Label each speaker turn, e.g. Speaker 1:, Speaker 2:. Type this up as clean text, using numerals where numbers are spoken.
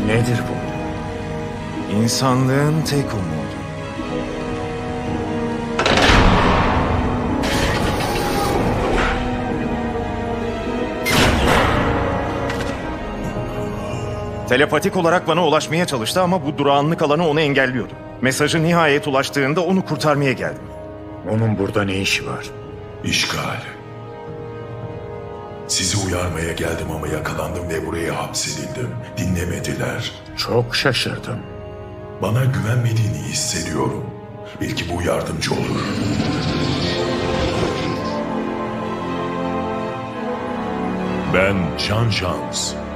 Speaker 1: Nedir bu?
Speaker 2: İnsanlığın tek umudu. Telepatik olarak bana ulaşmaya çalıştı ama bu durağanlık alanı onu engelliyordu. Mesajı nihayet ulaştığında onu kurtarmaya geldim.
Speaker 1: Onun burada ne işi var?
Speaker 3: İşgal. Sizi uyarmaya geldim ama yakalandım ve buraya hapsedildim. Dinlemediler.
Speaker 1: Çok şaşırdım.
Speaker 3: Bana güvenmediğini hissediyorum. Belki bu yardımcı olur. Ben Jean Jans.